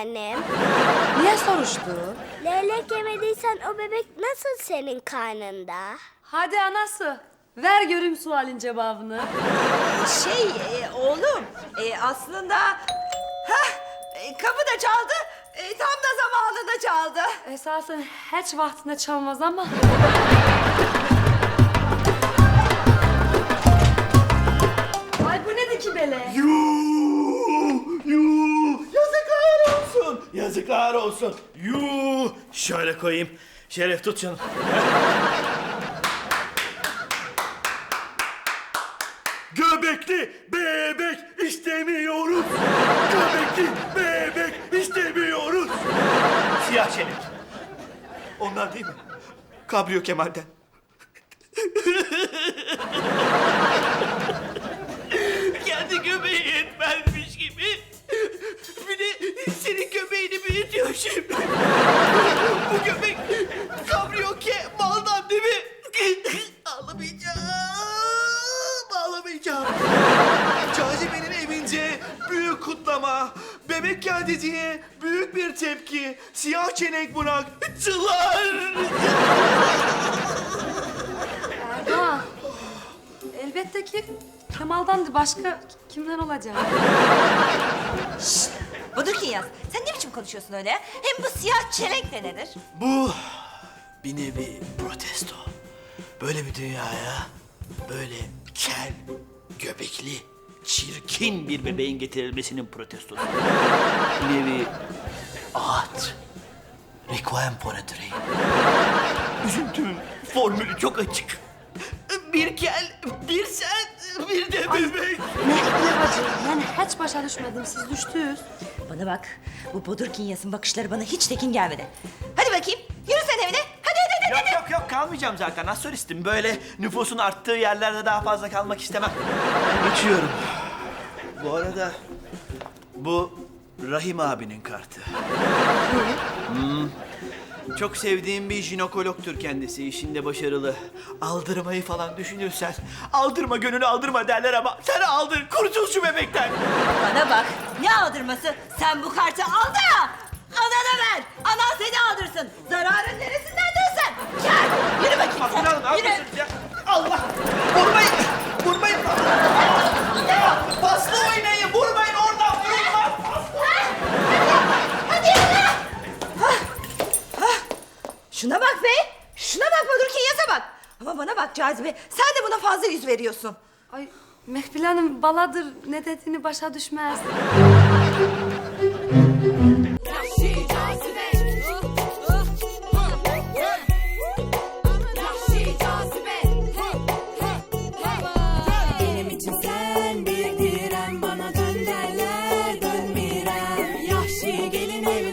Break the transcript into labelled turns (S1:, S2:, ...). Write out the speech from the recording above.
S1: annem.
S2: Niye soruştu?
S1: Leylek yemediysen o bebek nasıl senin karnında?
S2: Hadi anası, ver göreyim sualin cevabını.
S3: Oğlum aslında kapı da çaldı, tam da zamanında çaldı.
S2: Esasen hiç vaktinde çalmaz ama. Ay bu nedir ki böyle?
S4: Yuh! Yazıklar olsun! Yazıklar olsun! Yuh! Şöyle koyayım. Şeref tut canım. Göbekli bebek istemiyoruz. Göbekli bebek istemiyoruz. Siyah çelik. Onlar değil mi? Kabrio Kemal'den. Kendi göbeği yetmezmiş gibi. Bir de senin göbeğini büyütüyor şimdi. Bu göbek Kabrio Kemal'dan değil mi? Ağlamayacağım. Ağlamayacağım. Cazibe'nin evince büyük kutlama. Bebek geldi diye büyük bir tepki. Siyah çenek bıraktılar.
S2: Erdoğan, elbette ki Kemal'dan başka kimden olacak?
S3: Budur yaz. Sen ne biçim konuşuyorsun öyle? Hem bu siyah çelenk de nedir?
S4: Bu bir nevi protesto. Böyle bir dünyaya böyle kel, göbekli, çirkin bir bebeğin getirilmesinin protestosu. Bir nevi art. Requiem for a dream. Üzüntümün formülü çok açık. Bir kel, bir sen, bir de bebek.
S2: Ne yapacağız? Yani hiç başa düşmedim, siz düştünüz.
S3: Bana bak, bu Bodur Kinyas'ın bakışları bana hiç tekin gelmedi. Hadi bakayım, yürü sen evine. Hadi.
S4: Yok kalmayacağım zaten. Astralistim. Böyle nüfusun arttığı yerlerde daha fazla kalmak istemem. Ben geçiyorum. Bu arada bu Rahim abinin kartı. Çok sevdiğim bir jinekologtur kendisi. İşinde başarılı. Aldırmayı falan düşünürsen aldırma gönlünü aldırma derler ama sen aldır. Kurtul şu bebekten.
S3: Bana bak, ne aldırması? Sen bu kartı al da anana ver. Anan seni aldırsın. Zararın neresindendir sen? Gel, yürü bakayım sen.
S4: Abdülhanım ne
S3: Yürü.
S4: yapıyorsunuz ya? Allah! Vurmayın! Vurmayın! Ya, paslı oynayın! Vurmayın oradan! Vurulmaz!
S3: Şuna bak be. Şuna bak Bodur Kinyas'a bak. Ama bana bak Cazibe, sen de buna fazla yüz veriyorsun.
S2: Ay Mehpil Hanım baladır, ne dediğini başa düşmez.
S5: Yahşi cazibe. Yahşi cazibe. Benim için sen bir direm, bana dön derler dönmirem. Yahşi gelin ev